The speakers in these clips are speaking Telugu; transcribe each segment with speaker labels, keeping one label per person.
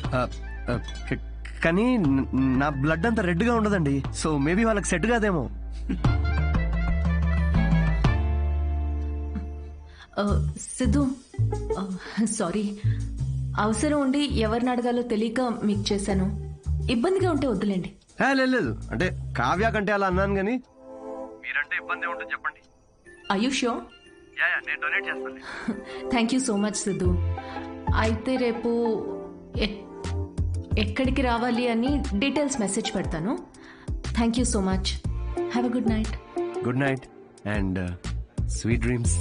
Speaker 1: కానీ నా బ్లడ్ అంత రెడ్ గా ఉండదండి, సో మేబీ వాళ్ళకి సెట్ కాదేమో.
Speaker 2: సిద్ధు, సారీ, అవసరం ఉండి ఎవరిని అడగాలో తెలియక మీకు చేశాను. ఇబ్బందిగా ఉంటే వద్దులేండి.
Speaker 1: లేదు, అంటే కావ్య కంటే అలా అన్నాను కానీ మీరంటే ఇబ్బంది ఉంటుంది చెప్పండి.
Speaker 2: Are you sure?
Speaker 1: నేను డొనేట్ చేస్తాను.
Speaker 2: Thank you so much Siddhu. అయితే రేపు ఎక్కడికి రావాలి అని డీటెయిల్స్ మెసేజ్ పెడతాను. Thank you so much. Have a good night.
Speaker 1: Good night and sweet dreams.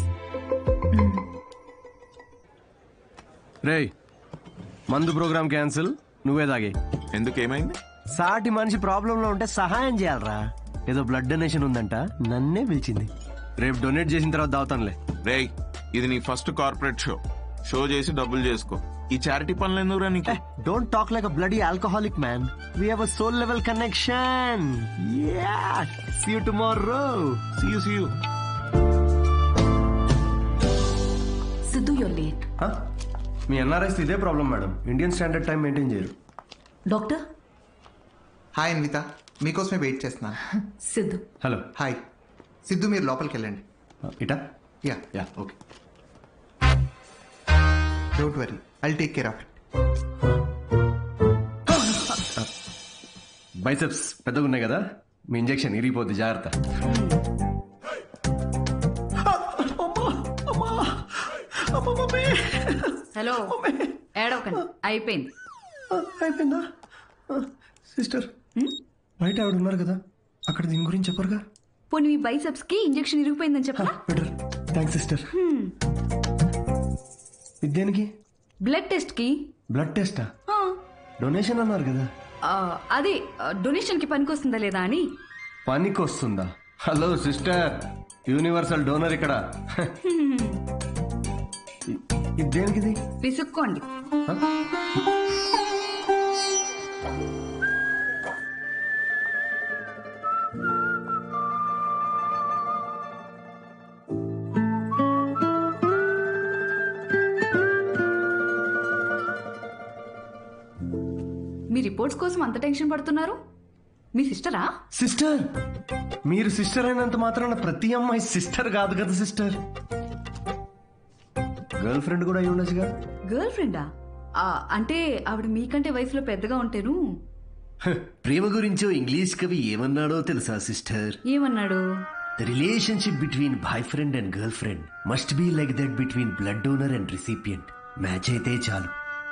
Speaker 1: రేయ్, మందు ప్రోగ్రామ్ క్యాన్సిల్, నువ్వే తాగే.
Speaker 3: ఎందుకు, ఏమైంది?
Speaker 1: సాటి మనిషి ప్రాబ్లం లో ఉంటే సహాయం చేయాలరా. ఏదో బ్లడ్ డొనేషన్ ఉందంట, నన్నే పిలిచింది. రేపు డొనేట్ చేసిన తర్వాత దావుతానులే.
Speaker 3: రేయ్, ఇది నీ ఫస్ట్ కార్పొరేట్ షో చేసి డబ్బులు చేసుకో. ఈ చారిటీ పనులు ఎందుకురా నీకు?
Speaker 1: Don't talk like a bloody alcoholic man. We have a soul level connection. Yeah, see you tomorrow.
Speaker 3: See you.
Speaker 2: Siddhu, you're late.
Speaker 1: మీ ఎన్ఆర్ఐస్ ఇదే problem madam, Indian standard time maintain చేయరు.
Speaker 2: డాక్టర్.
Speaker 4: హాయ్ అన్విత, మీకోసమే వెయిట్ చేస్తున్నాను.
Speaker 2: సిద్ధు.
Speaker 1: హలో.
Speaker 4: హాయ్ సిద్ధు, మీరు లోపలికి వెళ్ళండి.
Speaker 1: ఇటా?
Speaker 4: Yeah
Speaker 1: yeah, okay.
Speaker 4: Don't worry, I'll take care of it.
Speaker 1: Biceps పెద్దగా ఉన్నాయి కదా, మీ ఇంజెక్షన్ ఇరిగిపోద్ది, జాగ్రత్త.
Speaker 5: హలో, ఏడవకండి, అయిపోయింది.
Speaker 1: అయిపోయిందా? సిస్టర్, బయట ఆవిడ ఉన్నారు కదా, అక్కడ దీని గురించి చెప్పరుగా?
Speaker 5: పోనీ మీ బైసెప్స్ కి ఇంజెక్షన్ ఇరిగిపోయిందని చెప్పరా?
Speaker 1: బెటర్. Thanks sister. ఇదేనికి?
Speaker 5: బ్లడ్ టెస్ట్ కి.
Speaker 1: బ్లడ్ టెస్టా? డొనేషన్ అన్నారు కదా.
Speaker 5: అదే డొనేషన్ కి పనికొస్తుందా లేదా అని.
Speaker 1: పనికొస్తుందా? హలో సిస్టర్, యూనివర్సల్ డోనర్ ఇక్కడ. ఇదేనికిది?
Speaker 5: పిసుక్కోండి. మీ రిపోర్ట్స్ కోసం అంత టెన్షన్ పడుతున్నారు? మీ సిస్టరా?
Speaker 1: సిస్టర్? మీరు సిస్టర్ అయినంత మాత్రాన ప్రతి అమ్మాయి సిస్టర్ కాదు కదా సిస్టర్. గర్ల్ ఫ్రెండ్ కూడా అయి ఉండొచ్చుగా.
Speaker 5: గర్ల్ ఫ్రెండా? అంటే ఆవిడ మీకంటే వయసులో పెద్దగా ఉంటేను.
Speaker 1: ప్రేమ గురించో ఇంగ్లీష్ కవి ఏమన్నాడో తెలుసా సిస్టర్?
Speaker 5: ఏమన్నాడు?
Speaker 1: The relationship between boyfriend and girlfriend must be like that between blood donor and recipient. Match అయితే చాలు.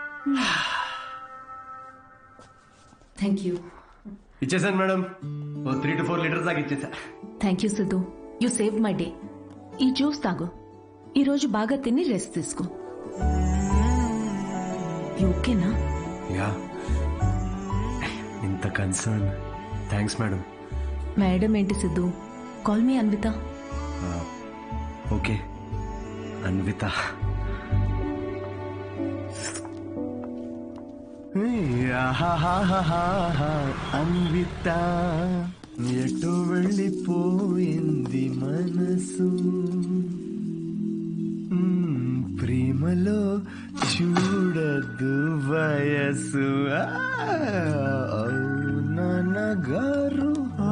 Speaker 2: Thank you.
Speaker 1: ఇచ్చేసాను మేడం, 3 to 4 లీటర్స్ దాకా ఇచ్చేసా.
Speaker 2: Thank you Siddhu, you save my day. ఈ జ్యూస్ తాగు, ఈ రోజు బాగా తిని రెస్ట్ తీసుకో. ఓకేనా?
Speaker 1: యా. ఇంత కన్సర్న్, థ్యాంక్స్ మేడం.
Speaker 2: మేడం ఏంటి Siddhu, call me Anvitha.
Speaker 1: Okay Anvitha. Anvitha ఎటు వెళ్ళిపోయింది మనసు, ప్రేమలో చూడదు వయసు. నాన్నగారు.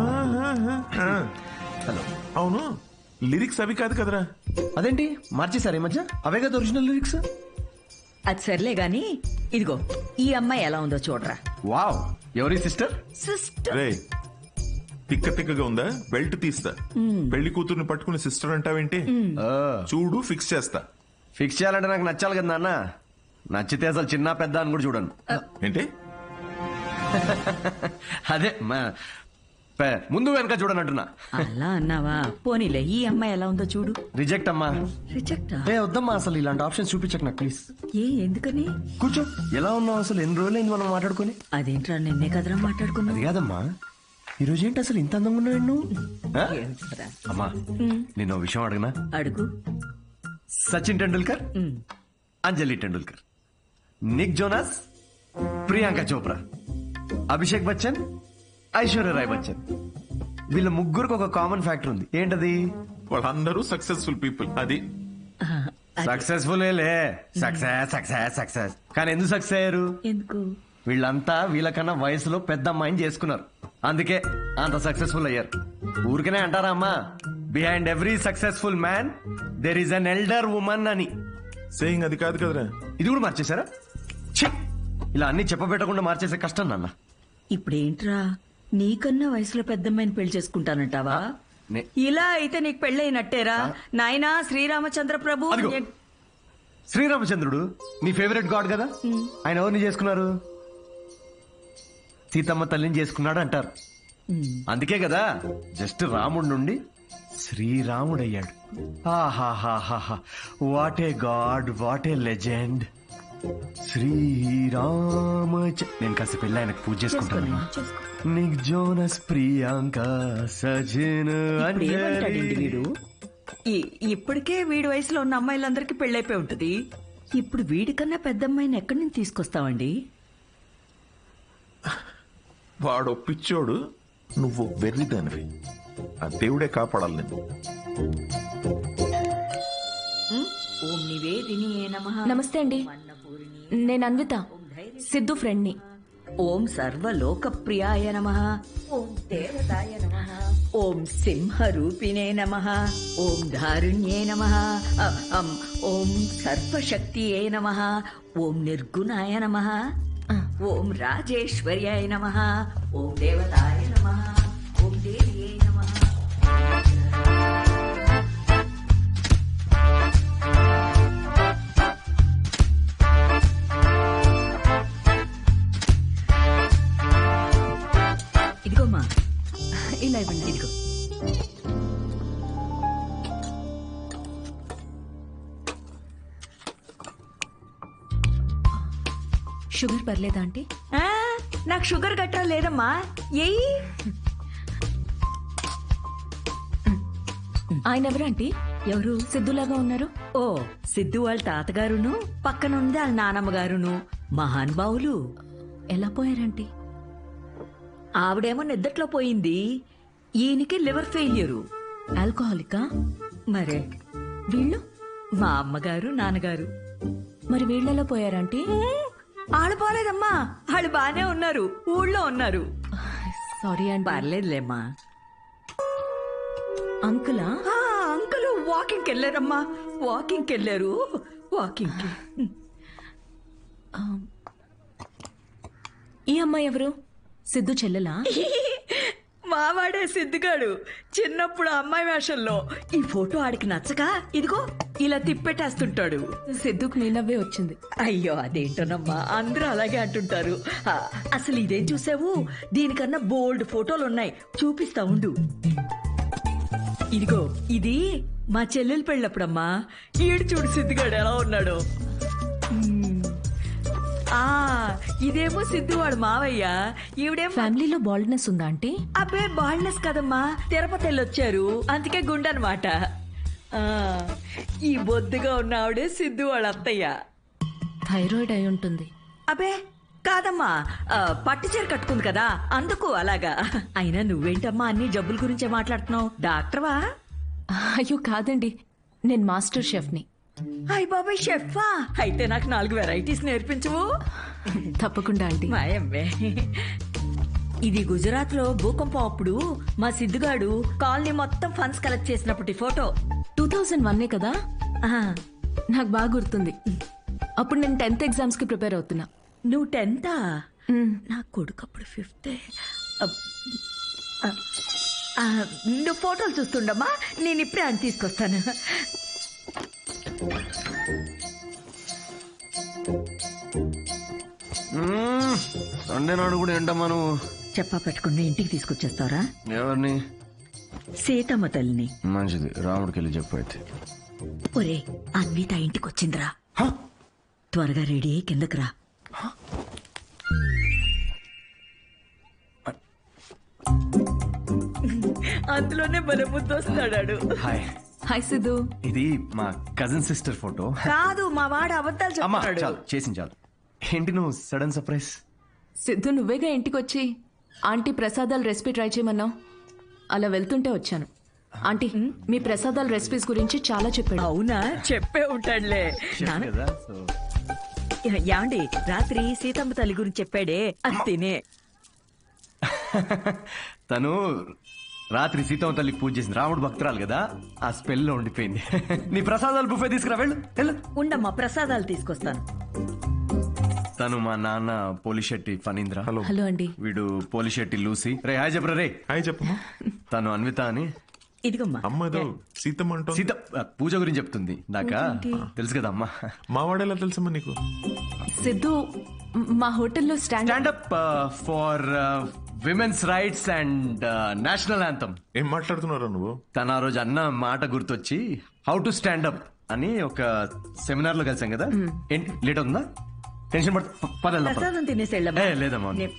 Speaker 3: హలో. అవును, లిరిక్స్ అవి కాదు కదరా?
Speaker 1: అదేంటి మార్చేసారు ఈ మధ్య? అవే కదా ఒరిజినల్ లిరిక్స్.
Speaker 6: అది సర్లే గాని, ఇదిగో ఈ అమ్మాయి ఎలా ఉందో చూడరా.
Speaker 1: వావ్, ఎవరి సిస్టర్?
Speaker 6: సిస్టర్.
Speaker 3: రే, తిక్క తిక్కగా ఉందా? బెల్ట్ తీస్తా. పెళ్లి కూతుర్ని పట్టుకుని సిస్టర్ అంటావేంటి? చూడు, ఫిక్స్ చేస్తా.
Speaker 1: ఫిక్స్ చేయాలంటే నాకు నచ్చాలి కదా నాన్న. నచ్చితే అసలు చిన్న పెద్ద అని కూడా చూడను.
Speaker 3: ఏంటి?
Speaker 1: అదే ముందు వెనక చూడనంటున్నా.
Speaker 6: అలా అన్నావా? పోనీలే, ఈ అమ్మాయి ఎలా ఉందో చూడు.
Speaker 1: రిజెక్ట్ అమ్మా.
Speaker 6: రిజెక్ట్?
Speaker 1: వద్దమ్మా, అసలు ఇలాంటి ఆప్షన్స్ చూపించక నాకు ప్లీజ్.
Speaker 6: ఎందుకని?
Speaker 1: కూర్చో. ఎలా ఉన్నావు అసలు? ఎన్ని రోజులైంది మనం మాట్లాడుకుని?
Speaker 6: అదేంట్రా, నిన్నే కదరా మాట్లాడుకున్నా.
Speaker 1: అది కాదమ్మా, ఈ రోజు ఏంటి అసలు ఇంత అందంగా ఉన్నావు నువ్వు? అమ్మా, నేను విషయం అడగనా?
Speaker 6: అడుగు.
Speaker 1: సచిన్ టెండూల్కర్, అంజలి టెండూల్కర్, నిక్ జోనాస్, ప్రియాంక చోప్రా, అభిషేక్ బచ్చన్, ఐశ్వర్య రాయ్ బచ్చన్, వీళ్ళ ముగ్గురికి ఒక కామన్ ఫ్యాక్టర్ ఉంది. ఏంటది?
Speaker 3: వాళ్ళందరూ సక్సెస్ఫుల్ పీపుల్. అది
Speaker 1: సక్సెస్ఫుల్. Success success success. కానీ ఎందుకు సక్సెస్ అయ్యారు?
Speaker 6: ఎందుకు?
Speaker 1: వీళ్ళంతా వీళ్ళకన్నా వయసులో పెద్ద అమ్మాయిని చేసుకున్నారు, అందుకే అంత సక్సెస్ఫుల్ అయ్యారు. ఊరికనే అంటారా అమ్మా, behind every successful man there is an elder woman అని.
Speaker 3: సేయింగ్ అది కాదు కదరా.
Speaker 1: ఇది కూడా మార్చేశారా? ఛీ! ఇలా అన్ని చెప్పబెట్టకుండా మార్చేసే కష్టం నాన్న.
Speaker 6: ఇప్పుడేంట్రా, నీకన్నా వయసులో పెద్దమ్మాయిని పెళ్లి చేసుకుంటానంటావా?
Speaker 1: నే-
Speaker 6: ఇలా అయితే నీకు పెళ్ళైనట్టేరా నాయనా శ్రీరామచంద్ర ప్రభు.
Speaker 1: అదిగో. శ్రీరామచంద్రుడు నీ ఫేవరెట్ గాడ్ కదా, ఆయన ఎవరిని చేసుకున్నారు? సీతమ్మ తల్లిని చేసుకున్నాడు అంటారు. అందుకే కదా జస్ట్ రాముడి నుండి శ్రీరాముడయ్యాడు. ఆహాహాహా, what a god, what a legend. Srirama. నేను కాస్త పెళ్ళి ఆయనకు పూజ చేసుకుంటాను. నిక్ జోనస్, ప్రియాంక, సజిన్,
Speaker 6: ఏమంటాడండి వీడు? ఇప్పటికే వీడి వయసులో ఉన్న అమ్మాయిలందరికీ పెళ్ళైపోయి ఉంటది. ఇప్పుడు వీడికన్నా పెద్ద అమ్మాయిని ఎక్కడి నుంచి తీసుకొస్తావండి?
Speaker 3: వాడు పిచ్చోడు, నువ్వు వెర్రిదానివి. ఆ దేవుడే కాపాడాలి నేను.
Speaker 6: ఓం నివేదినియే నమః.
Speaker 2: నమస్తే అండి, నేను అన్విత, సిద్ధు ఫ్రెండ్ని.
Speaker 6: ఓం సర్వలోకప్రియాయ నమః. ఓం దేవతాయ నమః. ఓం సింహరూపిణే నమః. ఓం ధారుణ్యే నమః. ఓం సర్వశక్తియే నమః. ఓం నిర్గుణాయ నమః. ఓం రాజేశ్వర్యాయ నమః. ఓం దేవతాయ నమః. ఓం దేవ్యే నమః. ఇదిగోమ్మా,
Speaker 2: ఇలా ఇవ్వండి.
Speaker 6: ఇదిగో.
Speaker 2: షుగర్ పర్లేదా ఆంటీ?
Speaker 6: ఆ, నాకు షుగర్ గట్రా లేదమ్మా. ఏయ్,
Speaker 2: ఆయన ఎవరు ఆంటీ?
Speaker 6: ఎవరు?
Speaker 2: సిద్ధులాగా ఉన్నారు.
Speaker 6: ఓ, సిద్ధు వాళ్ళ తాతగారును, పక్కనుంది వాళ్ళ నానమ్మ గారును, మహానుభావులు.
Speaker 2: ఎలా పోయారంటీ?
Speaker 6: ఆవిడేమో నిద్దట్లో పోయింది, ఈయనకి లివర్ ఫెయిల్యూరు.
Speaker 2: ఆల్కహాలికా?
Speaker 6: మరే
Speaker 2: వీళ్ళు?
Speaker 6: మా అమ్మగారు నాన్నగారు.
Speaker 2: మరి వీళ్ళెలా పోయారంటీ?
Speaker 6: వాళ్ళు పోలేదమ్మా, వాళ్ళు బానే ఉన్నారు, ఊళ్ళో ఉన్నారు.
Speaker 2: సారీ అండి.
Speaker 6: పర్లేదులేమ్మా.
Speaker 2: అంకులా?
Speaker 6: ఆ, అంకుల్ వాకింగ్కి వెళ్ళారమ్మా, వాకింగ్కి వెళ్ళారు, వాకింగ్కి.
Speaker 2: ఈ అమ్మాయి ఎవరు? సిద్ధు చెల్లెలా?
Speaker 6: మావాడే సిద్ధిగాడు, చిన్నప్పుడు అమ్మాయి వేషంలో. ఈ ఫోటో ఆడికి నచ్చక ఇదిగో ఇలా తిప్పెట్టేస్తుంటాడు.
Speaker 2: సిద్ధుకు నీ నవ్వే వచ్చింది.
Speaker 6: అయ్యో అదేంటోనమ్మా, అందరూ అలాగే అంటుంటారు. అసలు ఇదేం చూసావు, దీనికన్నా బోల్డ్ ఫోటోలు ఉన్నాయి, చూపిస్తా ఉండు. ఇదిగో ఇది మా చెల్లెలు పెళ్ళప్పుడమ్మా. ఈడు చూడు సిద్ధిగాడు ఎలా ఉన్నాడు. ఆ, ఇదేమో సిద్ధు వాడు మావయ్య, ఈవిడేమో.
Speaker 2: ఫ్యామిలీలో బాల్డ్నెస్ ఉందా ఆంటీ?
Speaker 6: అబ్బే బాల్నెస్ కదమ్మా, తిరుపతి వెళ్ళొచ్చారు, అందుకే గుండనమాట. ఈ బొద్దుగా ఉన్న ఆవిడే సిద్ధు వాళ్ళ అత్తయ్య.
Speaker 2: థైరాయిడ్ అయి ఉంటుంది.
Speaker 6: అబ్బే కాదమ్మా, పట్టు చీర కట్టుకుంది కదా అందుకు అలాగా. అయినా నువ్వేంటమ్మా అన్ని జబ్బుల గురించే మాట్లాడుతున్నావు, డాక్టర్వా?
Speaker 2: అయ్యో కాదండి, నేను మాస్టర్ షెఫ్ని.
Speaker 6: అయ్ బాబాయ్ షెఫా, అయితే నాకు 4 వెరైటీస్ నేర్పించవు?
Speaker 2: తప్పకుండా ఆంటీ.
Speaker 6: మాయమ్మే. ఇది గుజరాత్ లో భూకంపం అప్పుడు మా సిద్ధుగాడు కాలనీ మొత్తం ఫండ్స్ కలెక్ట్ చేసినప్పటి ఫోటో.
Speaker 2: 2001 కదా?
Speaker 6: ఆ,
Speaker 2: నాకు బాగా గుర్తుంది. అప్పుడు నేను 10th ఎగ్జామ్స్ కి ప్రిపేర్ అవుతున్నా.
Speaker 6: నువ్వు 10th?
Speaker 2: మ్.
Speaker 6: నా కొడుకు అప్పుడు 5th. నువ్వు ఫోటోలు చూస్తుండమ్మా, నేను ఇప్పుడే అని తీసుకొస్తాను.
Speaker 1: సండే నాడు కూడా ఏంటమ్మా నువ్వు?
Speaker 6: చెప్పా పెట్టుకుని ఇంటికి తీసుకొచ్చేస్తారా?
Speaker 1: ఎవరిని?
Speaker 6: సీతమ్మ తల్లిని.
Speaker 1: మంచిది, రాముడికి వెళ్ళి చెప్పు అయితే.
Speaker 6: ఒరే, అన్విత ఇంటికి వచ్చిందిరా, త్వరగా రెడీ అయ్యి కిందకి రా. అందులోనే బల ముద్దు వస్తాడాడు.
Speaker 1: హాయ్.
Speaker 2: హాయ్ సిద్ధు.
Speaker 1: ఇది మా కజిన్ సిస్టర్ ఫోటో.
Speaker 6: కాదు, మా వాడు అబద్ధాలు
Speaker 1: అమ్మా
Speaker 6: చెప్తాడు.
Speaker 1: చాలు, చేసింది చాలు. ఏంటి నువ్వు సడన్ సర్ప్రైజ్?
Speaker 2: సిద్ధు నువ్వేగా ఇంటికి వచ్చి ఆంటీ ప్రసాదాల రెసిపీ ట్రై చేయమన్నావు, అలా వెళ్తుంటే వచ్చాను. ఆంటీ మీ ప్రసాదాల రెసిపీస్ గురించి చాలా చెప్పాడు.
Speaker 6: అవునా, చెప్పే ఉంటాడులే.
Speaker 1: కదా, సో
Speaker 6: యాండి రాత్రి సీతమ్మ తల్లి గురించి చెప్పాడే అది తినే.
Speaker 1: తను రాత్రి సీతమ్మ తల్లికి పూజ చేసింది, రాముడు భక్తురాలు కదా, ఆ స్పెల్ లో ఉండిపోయింది. నీ ప్రసాదాలు బుఫే తీసుకురా, వెళ్ళు వెళ్ళు.
Speaker 6: ఉండమ్మా ప్రసాదాలు తీసుకొస్తాను.
Speaker 1: తను మా నాన్న పోలిశెట్టి ఫణీంద్ర.
Speaker 3: హలో
Speaker 2: హలో అండి.
Speaker 1: వీడు పోలిశెట్టి లూసి. రే హాయ్ చెప్పరా రే.
Speaker 3: హాయ్ చెప్పమ్మా.
Speaker 1: తను అన్విత అని.
Speaker 6: ఇదిగమ్మా
Speaker 3: అమ్మ ఏదో సీతమ్మ అంటోంది.
Speaker 1: సీత పూజ గురించి చెప్తుంది. నాకా తెలుసు కదా అమ్మా.
Speaker 3: మా వాడేలా తెలుసమ్మా నీకు?
Speaker 2: సిద్ధు మా హోటల్లో
Speaker 1: stand up for women's rights and national anthem.
Speaker 3: ఏం మాట్లాడుతున్నారా నువ్వు?
Speaker 1: తన ఆ రోజు అన్న మాట గుర్తొచ్చి హౌ టు స్టాండప్ అని ఒక సెమినార్ లో కలిసాం కదా. ఏంటి లేట్ అవుతుందా? టెన్షన్ పడ పద
Speaker 6: ప్రసాదం తినేసి వెళ్ళమ్మా.
Speaker 1: లేదమ్మా.